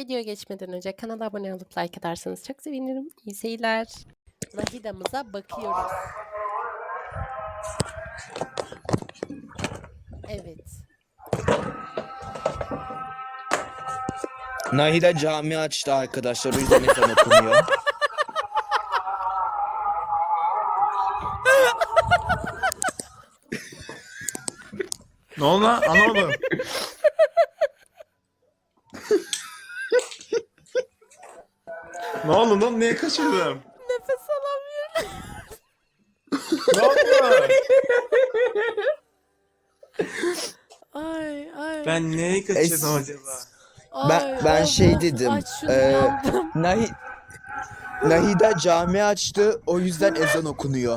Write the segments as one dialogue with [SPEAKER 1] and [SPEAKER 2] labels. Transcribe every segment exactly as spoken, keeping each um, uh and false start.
[SPEAKER 1] Videoya geçmeden önce kanala abone olup like atarsanız çok sevinirim. İyi seyirler. Nahida'mıza bakıyoruz. Evet.
[SPEAKER 2] Nahida cami açtı arkadaşlar, o yüzden ezan okunuyor.
[SPEAKER 3] Ne oldu lan? Anlamadım. Ne oldu lan? Niye kaçırdım?
[SPEAKER 1] Nefes alamıyorum.
[SPEAKER 3] Ne oldu?
[SPEAKER 1] Ay ay.
[SPEAKER 3] Ben neyi kaçırdım
[SPEAKER 2] Es-
[SPEAKER 3] acaba?
[SPEAKER 2] Ben-
[SPEAKER 1] Ay,
[SPEAKER 2] ben
[SPEAKER 1] of,
[SPEAKER 2] şey
[SPEAKER 1] of,
[SPEAKER 2] dedim,
[SPEAKER 1] Aç şunu
[SPEAKER 2] ee,
[SPEAKER 1] yandım.
[SPEAKER 2] Nahi Nahida cami açtı, o yüzden ezan okunuyor.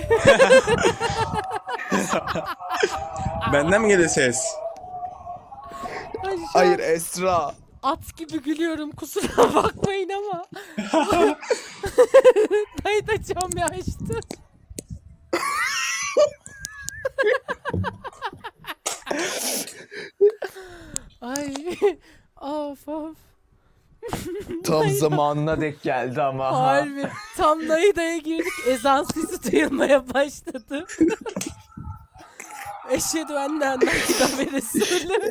[SPEAKER 3] Benden mi geliyor ses?
[SPEAKER 1] Ay, şu
[SPEAKER 2] Hayır,
[SPEAKER 1] an
[SPEAKER 2] Esra.
[SPEAKER 1] at gibi gülüyorum, kusura bakmayın ama. Nahida cami açtı. Ay of of.
[SPEAKER 2] Tam zamanına denk geldi ama. ha.
[SPEAKER 1] Harbi. Tam Nahida'ya girdik. Ezan sesi duyulmaya başladı. Eşhedü enne Nahida ve Resulü.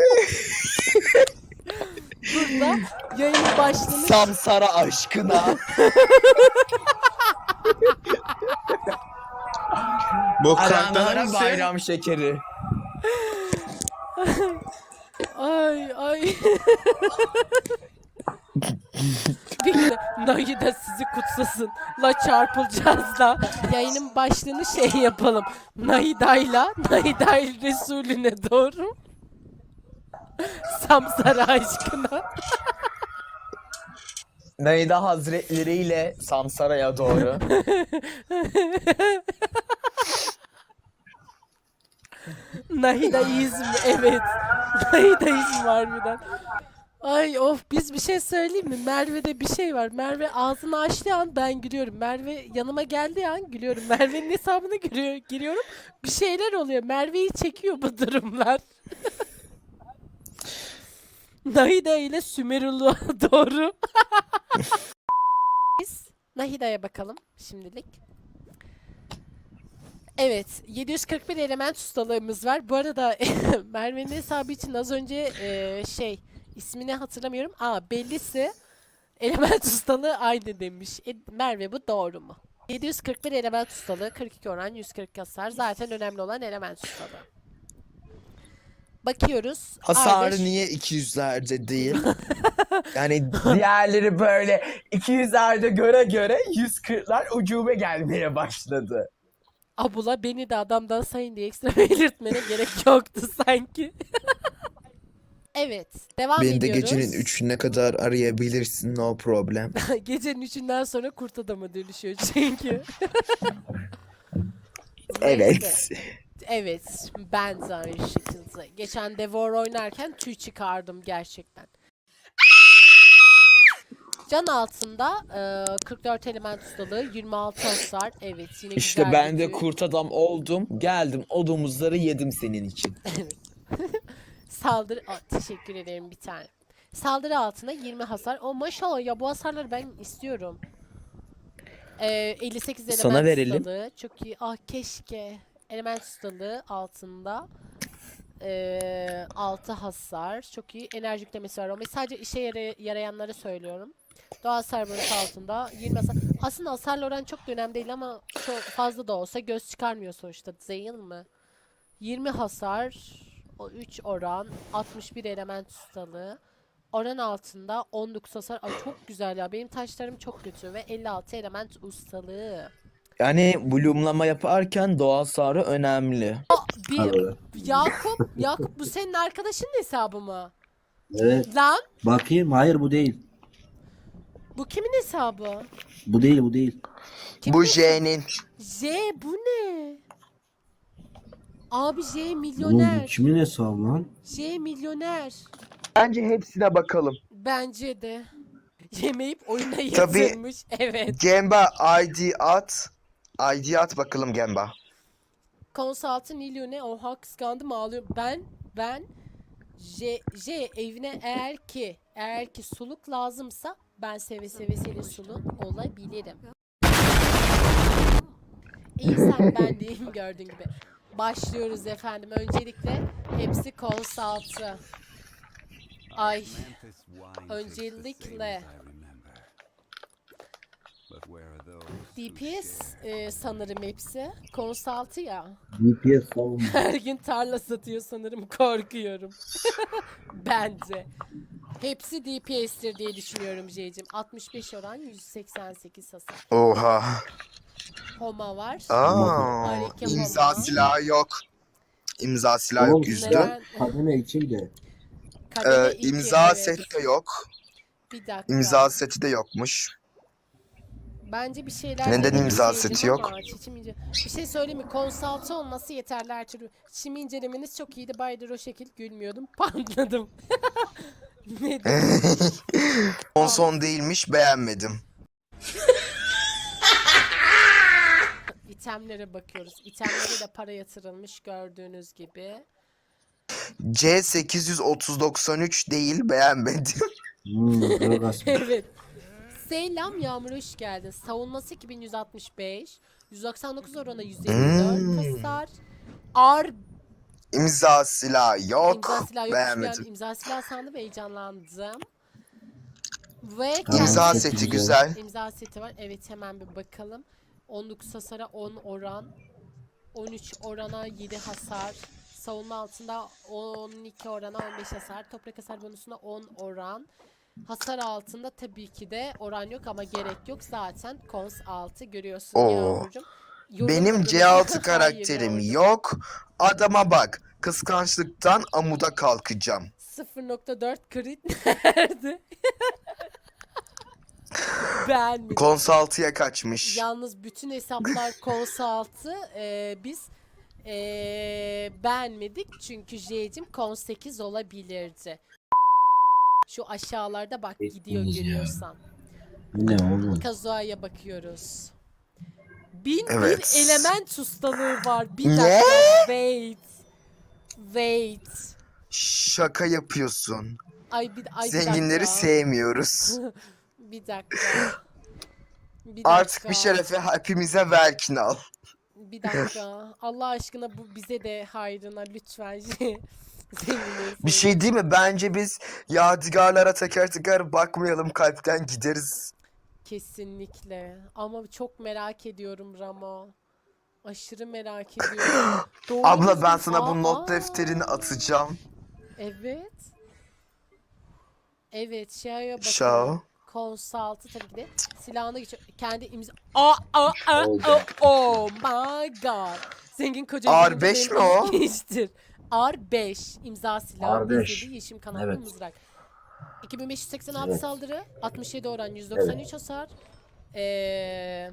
[SPEAKER 1] Burada yayının başlığını
[SPEAKER 2] Samsara aşkına.
[SPEAKER 3] Bu karakter
[SPEAKER 2] Aranlara
[SPEAKER 3] hangisi?
[SPEAKER 2] bayram şekeri.
[SPEAKER 1] ay ay. Bir de Nahida sizi kutsasın. La çarpılacağız da. Yayının başlığını şey yapalım. Nahida'yla Nahida Resulüne doğru. Samsara aşkına.
[SPEAKER 2] Nahida Hazretleri ile Samsara'ya doğru.
[SPEAKER 1] Nahidaizm, evet. Nahidaizm harbiden. Ay of, biz bir şey söyleyeyim mi? Merve'de bir şey var. Merve ağzını açtığı an ben gülüyorum. Merve yanıma geldiği an gülüyorum. Merve'nin hesabına giriyor, giriyorum. Bir şeyler oluyor. Merve'yi çekiyor bu durumlar. Nahida ile Sümeruluğa doğru. Biz Nahida'ya bakalım şimdilik. Evet, yedi yüz kırk bir element ustalığımız var. Bu arada Merve'nin hesabı için az önce e, şey ismini hatırlamıyorum. Aa, bellisi element ustalığı aynı demiş. E, Merve, bu doğru mu? yedi yüz kırk bir element ustalığı, kırk iki oran, yüz kırk hasar. Zaten önemli olan element ustalığı. Bakıyoruz.
[SPEAKER 2] Hasarı
[SPEAKER 1] A beş
[SPEAKER 2] niye iki yüzlerde değil? Yani diğerleri böyle iki yüzlerde göre göre yüz kırklar ucube gelmeye başladı.
[SPEAKER 1] Abula beni de adamdan sayın diye ekstra belirtmene gerek yoktu sanki. Evet, devam
[SPEAKER 2] Beni de
[SPEAKER 1] ediyoruz.
[SPEAKER 2] gecenin üçüne kadar arayabilirsin, no problem.
[SPEAKER 1] Gecenin üçünden sonra kurt adama dönüşüyor çünkü.
[SPEAKER 2] Evet.
[SPEAKER 1] Neyse. Evet, ben de aynı şekilde. Geçen Devor oynarken tüy çıkardım gerçekten. Can altında e, kırk dört element ustalığı, yirmi altı hasar. Evet, yine
[SPEAKER 2] İşte
[SPEAKER 1] güzel
[SPEAKER 2] ben
[SPEAKER 1] bir
[SPEAKER 2] de
[SPEAKER 1] tüy.
[SPEAKER 2] kurt adam oldum. Geldim, o domuzları yedim senin için.
[SPEAKER 1] Evet. Saldırı... Aa, teşekkür ederim bir tane. Saldırı altında yirmi hasar. O maşallah ya, bu hasarları ben istiyorum. Ee, elli sekiz element
[SPEAKER 2] Sana verelim.
[SPEAKER 1] ustalığı. Çok iyi. Ah keşke. Element ustalığı altında. Ee, altı hasar. Çok iyi. Enerji yüklemesi var. Ama sadece işe yara- yarayanları söylüyorum. Doğa hasar bonusu altında. yirmi hasar. Aslında hasarla oran çok da önemli değil ama çok fazla da olsa göz çıkarmıyor sonuçta. Değil mi? yirmi hasar. O üç oran. altmış bir element ustalığı. Oran altında on dokuz hasar. Ay çok güzel ya. Benim taşlarım çok kötü ve elli altı element ustalığı.
[SPEAKER 2] Yani bloomlama yaparken doğa hasarı önemli.
[SPEAKER 1] Bir
[SPEAKER 4] Alo.
[SPEAKER 1] Yakup, Yakup bu senin arkadaşının hesabı mı?
[SPEAKER 4] Evet.
[SPEAKER 1] Lan
[SPEAKER 4] Bakayım. Hayır bu değil.
[SPEAKER 1] bu kimin hesabı?
[SPEAKER 4] Bu değil bu değil.
[SPEAKER 1] Kimin
[SPEAKER 2] Bu
[SPEAKER 1] hesabı?
[SPEAKER 2] J'nin.
[SPEAKER 1] J bu ne? Abi J
[SPEAKER 4] Oğlum bu
[SPEAKER 1] milyoner.
[SPEAKER 4] kimin hesabı lan?
[SPEAKER 1] J milyoner.
[SPEAKER 2] Bence hepsine bakalım.
[SPEAKER 1] Bence de. Yemeyip oyuna
[SPEAKER 2] Tabii.
[SPEAKER 1] yatırmış. Evet.
[SPEAKER 2] Gemba I D at. I D at bakalım Gemba.
[SPEAKER 1] Konsaltı Nilyone. Oha, kıskandım, ağlıyorum. Ben ben J, J evine eğer ki Eğer ki suluk lazımsa ben seve seve senin suluk olabilirim. İyi sen ben deyim gördüğün gibi. Başlıyoruz efendim. Öncelikle hepsi konsaltı. Ay. Öncelikle D P S e, sanırım hepsi. Konsaltı ya.
[SPEAKER 4] D P S savunma.
[SPEAKER 1] Her gün tarla satıyor sanırım. Korkuyorum. Bence. Hepsi D P S'tir diye düşünüyorum J'cim. altmış beş oran, yüz seksen sekiz hasar.
[SPEAKER 2] Oha.
[SPEAKER 1] Homa var.
[SPEAKER 2] Aa.
[SPEAKER 1] Hareke
[SPEAKER 2] İmza
[SPEAKER 1] Homa.
[SPEAKER 2] silahı yok. İmza silahı
[SPEAKER 4] Oğlum
[SPEAKER 2] yok yüzde.
[SPEAKER 1] neden?
[SPEAKER 4] kademe iki de.
[SPEAKER 1] Kademe
[SPEAKER 2] Ee,
[SPEAKER 1] iki,
[SPEAKER 2] imza
[SPEAKER 1] evet.
[SPEAKER 2] seti de yok.
[SPEAKER 1] Bir dakika.
[SPEAKER 2] İmza seti de yokmuş.
[SPEAKER 1] Bence bir şeyler
[SPEAKER 2] Neden
[SPEAKER 1] denedim
[SPEAKER 2] imza
[SPEAKER 1] J'cim
[SPEAKER 2] seti yok?
[SPEAKER 1] ama çiçim ince- Bir şey söyleyeyim mi? Konsaltı olması yeterli her türlü. Çim incelemeniz çok iyiydi. Baydır o şekil gülmüyordum. Patladım. Ne dedim?
[SPEAKER 2] Son son değilmiş, beğenmedim.
[SPEAKER 1] İtemlere bakıyoruz. İtemlere de para yatırılmış gördüğünüz gibi.
[SPEAKER 2] C sekiz yüz otuz doksan üç değil, beğenmedim.
[SPEAKER 4] Hmm, Gragas.
[SPEAKER 1] Evet. Selam Yağmur, hoş geldin. Savunması iki bin yüz altmış beş. yüz doksan dokuz orana yüz elli dört
[SPEAKER 2] Hmm.
[SPEAKER 1] hasar. Ar
[SPEAKER 2] İmza silahı yok,
[SPEAKER 1] imza silahı yokmuş.
[SPEAKER 2] beğenmedim.
[SPEAKER 1] Yani imza silahı sandım ve heyecanlandım. Ve
[SPEAKER 4] Tamam,
[SPEAKER 2] İmza
[SPEAKER 4] çok
[SPEAKER 2] seti
[SPEAKER 4] güzel.
[SPEAKER 2] güzel.
[SPEAKER 1] imza seti var. Evet hemen bir bakalım. on dokuz hasara on oran. on üç orana yedi hasar. Savunma altında on iki orana on beş hasar. Toprak hasar bonusuna on oran. Hasar altında tabii ki de oran yok ama gerek yok. Zaten kons altı görüyorsun
[SPEAKER 2] Oo.
[SPEAKER 1] Yağmurcuğum. Yorum
[SPEAKER 2] Benim
[SPEAKER 1] adına-
[SPEAKER 2] C altı
[SPEAKER 1] Hayır
[SPEAKER 2] karakterim
[SPEAKER 1] Yağmurcuğum.
[SPEAKER 2] yok. Adama bak, kıskançlıktan amuda kalkacağım.
[SPEAKER 1] sıfır nokta dört crit nerede? Beğenmedim.
[SPEAKER 2] Konsaltıya kaçmış.
[SPEAKER 1] Yalnız bütün hesaplar konsaltı e, biz e, beğenmedik çünkü J'cim kon sekiz olabilirdi. Şu aşağılarda bak gidiyor
[SPEAKER 4] Hepimiz ya.
[SPEAKER 1] görüyorsan.
[SPEAKER 4] Bu ne oğlum?
[SPEAKER 1] Kazuha'ya bakıyoruz. Bin
[SPEAKER 2] Evet.
[SPEAKER 1] bir element ustalığı var. Bir
[SPEAKER 2] Ne?
[SPEAKER 1] dakika. Wait. Wait.
[SPEAKER 2] Şaka yapıyorsun.
[SPEAKER 1] Ay bir, ay bir
[SPEAKER 2] Zenginleri
[SPEAKER 1] dakika.
[SPEAKER 2] sevmiyoruz.
[SPEAKER 1] Bir dakika. Bir
[SPEAKER 2] Artık
[SPEAKER 1] dakika.
[SPEAKER 2] bir şerefe hepimize verkin al.
[SPEAKER 1] Bir dakika. Allah aşkına bu bize de hayrına lütfen. Zenginleri
[SPEAKER 2] Bir şey değil mi? Bence biz yadigarlara teker teker bakmayalım, kalpten gideriz.
[SPEAKER 1] Kesinlikle. Ama çok merak ediyorum Ramo. Aşırı merak ediyorum. Doğru
[SPEAKER 2] Abla ben
[SPEAKER 1] düzgün-
[SPEAKER 2] sana bu not
[SPEAKER 1] Aa,
[SPEAKER 2] defterini atacağım.
[SPEAKER 1] Evet. Evet, şeye
[SPEAKER 2] Şao.
[SPEAKER 1] bakıyorum. Konsaltı tabii ki de silahına geçiyor. Kendi imza... Aa, aa, aa,
[SPEAKER 4] Oldu.
[SPEAKER 1] aa, oh my god. Zengin koca
[SPEAKER 2] R
[SPEAKER 1] görünce
[SPEAKER 2] beş
[SPEAKER 1] benim
[SPEAKER 2] mi o?
[SPEAKER 1] ilginçtir. R beş imza silahı.
[SPEAKER 4] R beş.
[SPEAKER 1] izlediği yeşim kanatlı
[SPEAKER 4] Evet.
[SPEAKER 1] mızrak. iki bin beş yüz seksen altı
[SPEAKER 4] Evet.
[SPEAKER 1] saldırı, altmış yedi oran, yüz doksan üç hasar. Ee,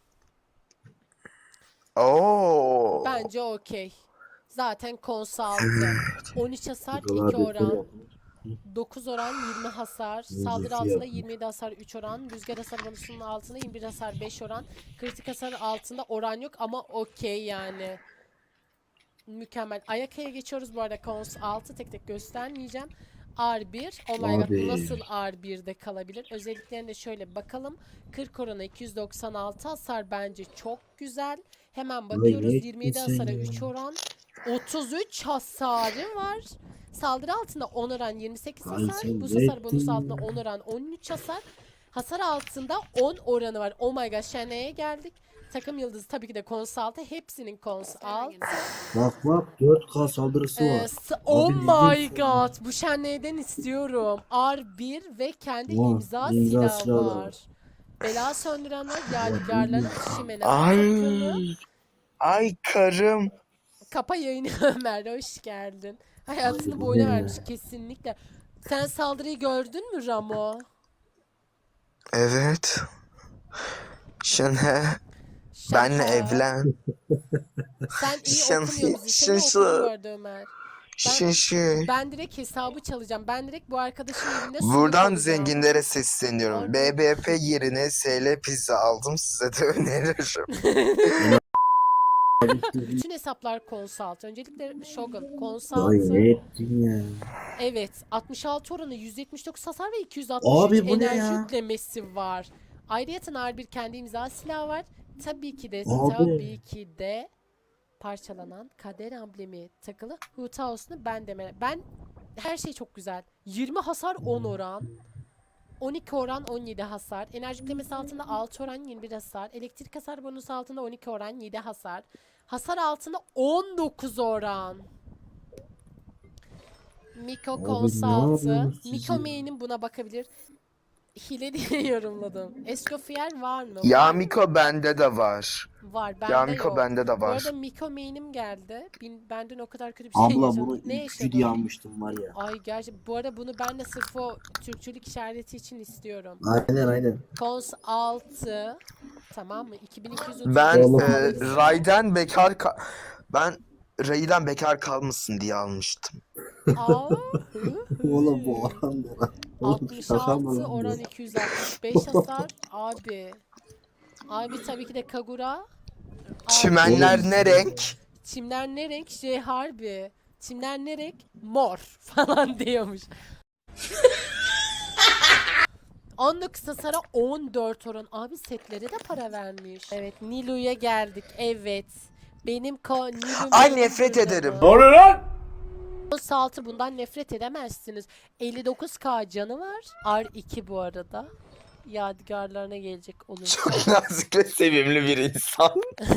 [SPEAKER 2] Oo.
[SPEAKER 1] bence okey. Zaten konsaltı. on üç hasar, iki
[SPEAKER 4] Dolar
[SPEAKER 1] oran.
[SPEAKER 4] bekliyor.
[SPEAKER 1] dokuz oran, yirmi hasar.
[SPEAKER 4] Müzik
[SPEAKER 1] Saldırı altında
[SPEAKER 4] yapma.
[SPEAKER 1] yirmi yedi hasar, üç oran. Rüzgar hasar bonusunun altında yirmi bir hasar, beş oran. Kritik hasar altında oran yok ama okey yani. Mükemmel. Ayakaya geçiyoruz bu arada. Kons altı tek tek göstermeyeceğim. R bir. Oh my god,
[SPEAKER 4] Abi.
[SPEAKER 1] nasıl R bir'de kalabilir? Özelliklerine şöyle bakalım. kırk orana iki yüz doksan altı hasar bence çok güzel. Hemen bakıyoruz.
[SPEAKER 4] ne
[SPEAKER 1] yirmi yedi
[SPEAKER 4] ettin sen
[SPEAKER 1] hasara
[SPEAKER 4] ya?
[SPEAKER 1] üç oran. otuz üç hasarı var. Saldırı altında on oran yirmi sekiz
[SPEAKER 4] Ay
[SPEAKER 1] hasar.
[SPEAKER 4] sen
[SPEAKER 1] Bu
[SPEAKER 4] ne
[SPEAKER 1] hasar bonusu
[SPEAKER 4] ettin
[SPEAKER 1] altında
[SPEAKER 4] ya?
[SPEAKER 1] on oran on üç hasar. Hasar altında on oranı var. Oh my god, Şene'ye geldik. Takım yıldızı tabii ki de konsaltı. Hepsinin konsaltı.
[SPEAKER 4] Bak bak dört K saldırısı
[SPEAKER 1] Ee,
[SPEAKER 4] var.
[SPEAKER 1] s- oh
[SPEAKER 4] Abi
[SPEAKER 1] my
[SPEAKER 4] bildiğin-
[SPEAKER 1] god. Bu Şenley'den istiyorum. R bir ve kendi
[SPEAKER 4] Vah,
[SPEAKER 1] imza,
[SPEAKER 4] imza
[SPEAKER 1] silahı
[SPEAKER 4] silahı
[SPEAKER 1] var.
[SPEAKER 4] var.
[SPEAKER 1] Bela söndüren var. Yadigarların şimene
[SPEAKER 2] Ay.
[SPEAKER 1] takımı.
[SPEAKER 2] Ay karım.
[SPEAKER 1] Kapa yayını Ömer. Hoş geldin. Hayatını
[SPEAKER 4] Ay,
[SPEAKER 1] bu
[SPEAKER 4] bu
[SPEAKER 1] oyuna
[SPEAKER 4] ne?
[SPEAKER 1] vermiş kesinlikle. Sen saldırıyı gördün mü Ramo?
[SPEAKER 2] Evet. Şene. Benle
[SPEAKER 1] Şaka.
[SPEAKER 2] evlen.
[SPEAKER 1] Sen iyi
[SPEAKER 2] Şan-
[SPEAKER 1] okumuyor musun? Seni
[SPEAKER 2] şansı.
[SPEAKER 1] okudum bu arada Ömer.
[SPEAKER 2] Şişi.
[SPEAKER 1] Ben direkt hesabı çalacağım. Ben direkt bu arkadaşın evinde suluk
[SPEAKER 2] Buradan
[SPEAKER 1] olacağım.
[SPEAKER 2] zenginlere sesleniyorum.
[SPEAKER 1] Harbi.
[SPEAKER 2] B B P yerine S L pizza aldım, size de öneririm.
[SPEAKER 1] Bütün hesaplar Consult. Öncelikle Shogun.
[SPEAKER 4] Ay
[SPEAKER 1] Consult'ı
[SPEAKER 4] ne ettin ya?
[SPEAKER 1] evet altmış altı oranı, yüz yetmiş dokuz hasar ve iki yüz altmış üç
[SPEAKER 4] Abi bu ne
[SPEAKER 1] enerji
[SPEAKER 4] ya?
[SPEAKER 1] yüklemesi var. Ayrıyeten ağır bir kendi imza silahı var. Tabii ki de
[SPEAKER 4] Abi.
[SPEAKER 1] tabii ki de parçalanan kader amblemi takılı Hutaos'unu ben deme. Ben her şey çok güzel. yirmi hasar on oran. on iki oran on yedi hasar. Enerji yüklemesi altında altı oran yirmi bir hasar. Elektrik hasar bonusu altında on iki oran yedi hasar. Hasar altında on dokuz oran. Miko
[SPEAKER 4] Abi ne
[SPEAKER 1] Consult'ı.
[SPEAKER 4] yapıyorsunuz siz
[SPEAKER 1] Miko
[SPEAKER 4] ya?
[SPEAKER 1] Main'in buna bakabilir. Hile diye yorumladım. Escoffier var mı?
[SPEAKER 2] Ya
[SPEAKER 1] Var mı?
[SPEAKER 2] Miko bende de var.
[SPEAKER 1] Var. Bende
[SPEAKER 2] Ya Miko
[SPEAKER 1] yok.
[SPEAKER 2] bende de
[SPEAKER 1] Bu
[SPEAKER 2] var.
[SPEAKER 1] arada Miko Main'im geldi. Bin, benden o kadar kötü bir şey
[SPEAKER 4] Abla
[SPEAKER 1] yaşadım.
[SPEAKER 4] bunu
[SPEAKER 1] Ne
[SPEAKER 4] iki
[SPEAKER 1] yaşadın?
[SPEAKER 4] diye almıştım var ya.
[SPEAKER 1] Ay gerçi bu arada bunu ben de sırf o Türkçülük işareti için istiyorum.
[SPEAKER 4] Aynen aynen.
[SPEAKER 1] Cons altı, tamam mı? iki bin iki yüz otuz
[SPEAKER 2] Ben
[SPEAKER 4] Oğlum.
[SPEAKER 2] e, Ray'den bekar ka- ben Ray'den bekar kalmasın diye almıştım.
[SPEAKER 1] Aa,
[SPEAKER 4] Oğlum bu oran ne lan? Oğlum şaka mı
[SPEAKER 1] altmış altı
[SPEAKER 4] lan
[SPEAKER 1] oran
[SPEAKER 4] bu?
[SPEAKER 1] iki yüz altmış beş hasar abi. Abi tabii ki de Kagura. Abi,
[SPEAKER 2] Çimenler
[SPEAKER 4] Oğlum.
[SPEAKER 2] ne renk?
[SPEAKER 1] çimler ne renk? Şey harbi. Çimler ne renk? Mor falan diyormuş. on dokuz hasara on dört oran. Abi setlere de para vermiş. Evet Nilu'ya geldik. Evet. Benim ko Nilu
[SPEAKER 2] Ay,
[SPEAKER 1] benim
[SPEAKER 2] nefret
[SPEAKER 1] burada
[SPEAKER 2] ederim.
[SPEAKER 1] mı?
[SPEAKER 3] oluyor lan?
[SPEAKER 1] Altı bundan nefret edemezsiniz. elli dokuz K canı var. R iki bu arada. Yadigarlarına gelecek olursa.
[SPEAKER 2] Çok nazik ve sevimli bir insan.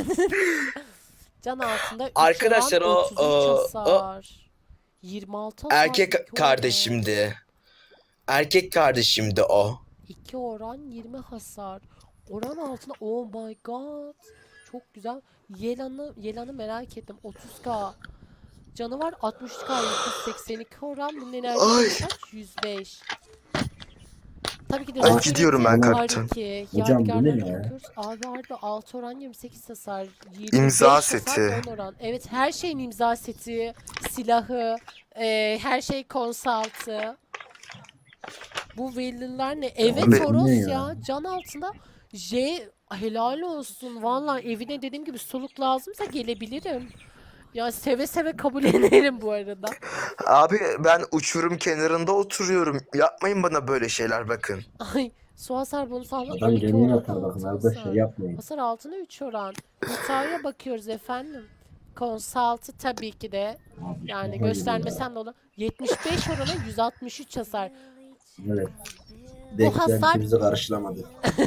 [SPEAKER 1] Can altında üç
[SPEAKER 2] Arkadaşlar,
[SPEAKER 1] oran,
[SPEAKER 2] o-
[SPEAKER 1] otuz üç
[SPEAKER 2] o-
[SPEAKER 1] hasar. yirmi altı hasar.
[SPEAKER 2] Erkek
[SPEAKER 1] iki oran.
[SPEAKER 2] kardeşimdi. Erkek kardeşimdi o.
[SPEAKER 1] iki oran yirmi hasar. Oran altında oh my god. Çok güzel. Yelan'ı Yelan'ı merak ettim. otuz K. Canı var altmış K yüz seksen iki oran. Bunun
[SPEAKER 2] Ay.
[SPEAKER 1] enerjisi kaç? yüz beş. Tabii ki de
[SPEAKER 2] Ay,
[SPEAKER 1] Rocket'in
[SPEAKER 2] gidiyorum ben
[SPEAKER 1] R
[SPEAKER 2] kaptan.
[SPEAKER 1] iki.
[SPEAKER 4] Hocam, bu ne
[SPEAKER 1] Yadigarlarına
[SPEAKER 4] ya?
[SPEAKER 1] bakıyoruz. Abi harbi altı oran yirmi sekiz hasar. yirmi beş
[SPEAKER 2] İmza
[SPEAKER 1] hasar,
[SPEAKER 2] seti.
[SPEAKER 1] on oran. Evet her şeyin imza seti, silahı, e, her şey konsaltı. Bu villainlar ne? Evet
[SPEAKER 2] Abi,
[SPEAKER 1] Toros
[SPEAKER 4] ne
[SPEAKER 1] ya.
[SPEAKER 4] ya?
[SPEAKER 1] Can altında J helal olsun. Vallahi evine dediğim gibi soluk lazımsa gelebilirim. Ya seve seve kabul ederim bu arada.
[SPEAKER 2] Abi ben uçurum kenarında oturuyorum. Yapmayın bana böyle şeyler bakın.
[SPEAKER 1] Ay su hasar bonusu aldı.
[SPEAKER 4] Adam
[SPEAKER 1] on iki
[SPEAKER 4] kendine
[SPEAKER 1] oran,
[SPEAKER 4] atar bakın
[SPEAKER 1] altı
[SPEAKER 4] arkadaşlar
[SPEAKER 1] hasar.
[SPEAKER 4] yapmayın.
[SPEAKER 1] Hasar altına üç oran. Hütaya bakıyoruz efendim. Consult'ı tabii ki de
[SPEAKER 4] Abi,
[SPEAKER 1] yani
[SPEAKER 4] şaka gibi
[SPEAKER 1] göstermesem de olur. yetmiş beş orana yüz altmış üç hasar.
[SPEAKER 4] ya. Evet.
[SPEAKER 1] Bu hasar-
[SPEAKER 4] Beklentimizi karşılamadı.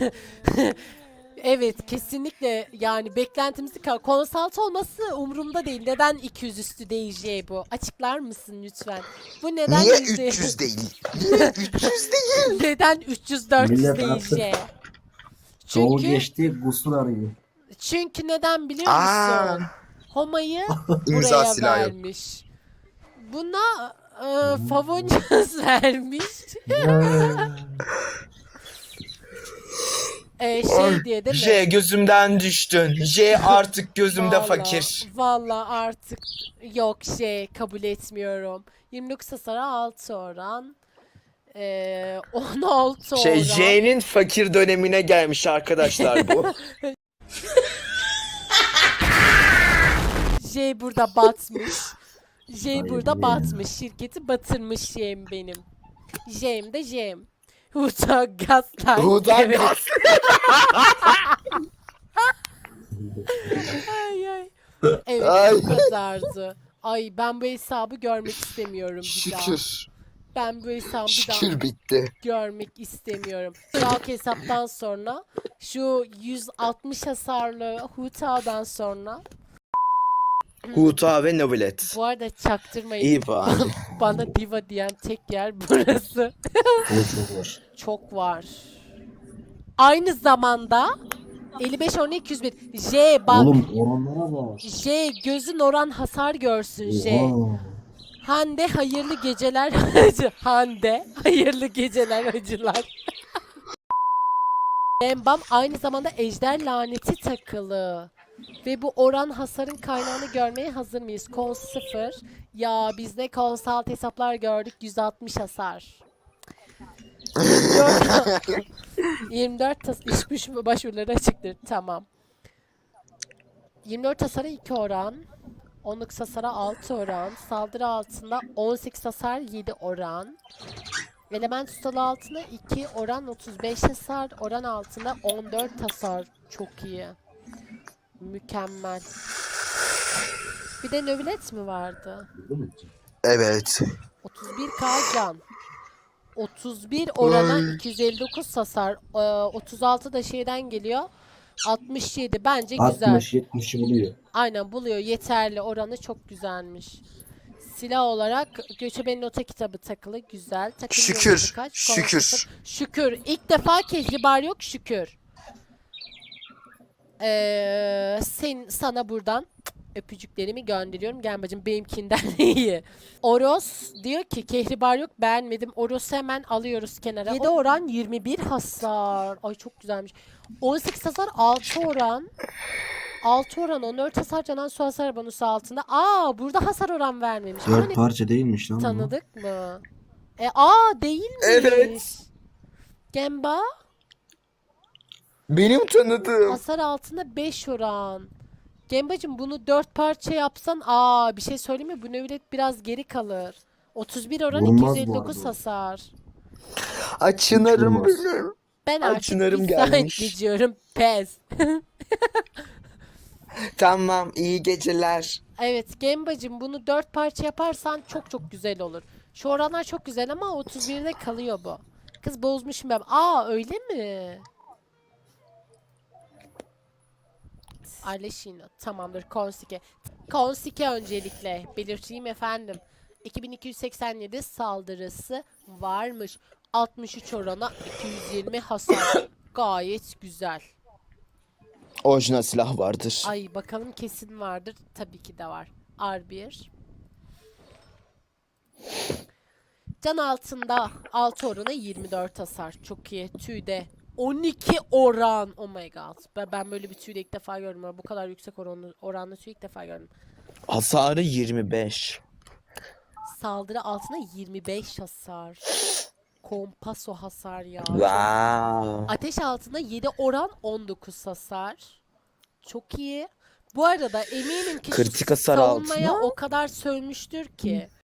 [SPEAKER 1] Evet kesinlikle yani beklentimizi ka- Consult olması umurumda değil. Neden iki yüz üstü değil J bu? Açıklar mısın lütfen? Bu neden
[SPEAKER 2] Niye
[SPEAKER 1] yüzde-
[SPEAKER 2] üç yüz değil? Niye üç yüz değil?
[SPEAKER 1] Neden üç yüz dört yüz
[SPEAKER 4] Millet
[SPEAKER 1] değil
[SPEAKER 4] artık
[SPEAKER 1] J?
[SPEAKER 4] Çoğu
[SPEAKER 1] Çünkü
[SPEAKER 4] geçti gusur arıyor.
[SPEAKER 1] çünkü neden biliyor
[SPEAKER 2] Aa,
[SPEAKER 1] musun? Homa'yı
[SPEAKER 2] imza
[SPEAKER 1] buraya
[SPEAKER 2] silahı yok.
[SPEAKER 1] vermiş. Buna e, Favonius vermiş. E, şey diye değil mi?
[SPEAKER 2] J gözümden düştün. J artık gözümde
[SPEAKER 1] Vallahi-
[SPEAKER 2] fakir.
[SPEAKER 1] Vallahi artık yok şey kabul etmiyorum. yirmi dokuz hasara altı oran. Ee, on altı
[SPEAKER 2] Şey
[SPEAKER 1] oran.
[SPEAKER 2] J'nin fakir dönemine gelmiş arkadaşlar bu.
[SPEAKER 1] J burada batmış. J
[SPEAKER 4] Hayır
[SPEAKER 1] burada
[SPEAKER 4] ya.
[SPEAKER 1] batmış. Şirketi batırmış J'm benim. J'm de J'm. Huta Gaslight.
[SPEAKER 2] Huda
[SPEAKER 1] Evet.
[SPEAKER 2] gaz.
[SPEAKER 1] Ay, ay. Evet
[SPEAKER 2] Ay.
[SPEAKER 1] bu kadardı. Ay ben bu hesabı görmek istemiyorum bir daha.
[SPEAKER 2] Şükür.
[SPEAKER 1] Ben bu hesabı bir daha
[SPEAKER 2] Şükür bitti.
[SPEAKER 1] görmek istemiyorum. Sırak hesaptan sonra şu yüz altmış hasarlı Huta'dan sonra
[SPEAKER 2] Huta ve Nobilet.
[SPEAKER 1] bu arada çaktırmayın.
[SPEAKER 2] İyi bari.
[SPEAKER 1] Bana diva diyen tek yer burası.
[SPEAKER 4] O çok var.
[SPEAKER 1] Çok var. Aynı zamanda elli beş on iki yüz bir J bak.
[SPEAKER 4] Oğlum oranlara bak.
[SPEAKER 1] J gözün oran hasar görsün J.
[SPEAKER 4] Oha.
[SPEAKER 1] Hande hayırlı geceler hacı. Hande hayırlı geceler hacılar. Embam aynı zamanda ejder laneti takılı. Ve bu oran hasarın kaynağını görmeye hazır mıyız? Kons sıfır. Ya biz ne konsalt hesaplar gördük yüz altmış hasar. yirmi dört yirmi dört tas iş güç başvuruları açıktır. Tamam. yirmi dört hasara iki oran. onluk hasara altı oran. Saldırı altında on sekiz hasar yedi oran. Element ustalı altına iki oran otuz beş hasar. Oran altında on dört hasar. Çok iyi. Mükemmel. Bir de nöbilet mi vardı?
[SPEAKER 2] Evet.
[SPEAKER 1] otuz bir K can. otuz bir orana iki yüz elli dokuz hasar. Ee, otuz altı da şeyden geliyor. altmış yedi bence güzel.
[SPEAKER 4] altmış yetmişi buluyor.
[SPEAKER 1] Aynen buluyor. Yeterli. Oranı çok güzelmiş. Silah olarak Göçebe'nin nota kitabı takılı. Güzel. Takım
[SPEAKER 2] Şükür,
[SPEAKER 1] yıldızı kaç?
[SPEAKER 2] şükür.
[SPEAKER 1] Konuşması- Şükür. İlk defa kehribar yok şükür. Ee, sen, sana buradan öpücüklerimi gönderiyorum. Gel bacım benimkinden iyi. Oros diyor ki kehribar yok beğenmedim. Oros'u hemen alıyoruz kenara. yedi oran yirmi bir hasar. Ay çok güzelmiş. on sekiz hasar altı oran. altı oran on dört hasar canan su hasar bonusu altında. Aa burada hasar oran vermemiş.
[SPEAKER 4] Dört
[SPEAKER 1] Hani
[SPEAKER 4] parça değilmiş lan bu.
[SPEAKER 1] tanıdık mı? E aa değilmiş.
[SPEAKER 2] Evet.
[SPEAKER 1] Gemba
[SPEAKER 2] Benim tanıdığım.
[SPEAKER 1] hasar altında beş oran. Gembacım bunu dört parça yapsan aa bir şey söyleyeyim mi? Bu nöbet biraz geri kalır. otuz bir oran
[SPEAKER 4] Vurmaz bu
[SPEAKER 1] iki yüz elli dokuz
[SPEAKER 4] arada.
[SPEAKER 1] hasar.
[SPEAKER 2] Açınarım
[SPEAKER 4] Hiç olmaz.
[SPEAKER 2] benim.
[SPEAKER 1] Ben
[SPEAKER 2] Ay,
[SPEAKER 1] artık
[SPEAKER 2] Çınarım
[SPEAKER 1] bir saat
[SPEAKER 2] gelmiş.
[SPEAKER 1] geçiyorum. Pez.
[SPEAKER 2] Tamam, iyi geceler.
[SPEAKER 1] Evet Gembacım bunu dört parça yaparsan çok çok güzel olur. Şu oranlar çok güzel ama otuz birde kalıyor bu. Kız bozmuşum ben. Aa öyle mi? Arleşino. Tamamdır. Konsike. Konsike öncelikle belirteyim efendim. iki bin iki yüz seksen yedi saldırısı varmış. altmış üç orana iki yüz yirmi hasar. Gayet güzel.
[SPEAKER 2] Orijinal silah vardır.
[SPEAKER 1] Ay bakalım kesin vardır. Tabii ki de var. R bir. Can altında altı orana yirmi dört hasar. Çok iyi. Tüyde on iki oran. Oh my god. Ben, ben böyle bir tüyde ilk defa gördüm. Bu kadar yüksek oranlı, oranlı tüy ilk defa gördüm.
[SPEAKER 2] Hasarı yirmi beş.
[SPEAKER 1] Saldırı altına yirmi beş hasar. Kompaso hasar ya.
[SPEAKER 2] Wow.
[SPEAKER 1] Ateş altında yedi oran on dokuz hasar. Çok iyi. Bu arada eminim ki şu
[SPEAKER 2] Kritik hasar
[SPEAKER 1] savunmaya
[SPEAKER 2] altına.
[SPEAKER 1] o kadar sövmüştür ki.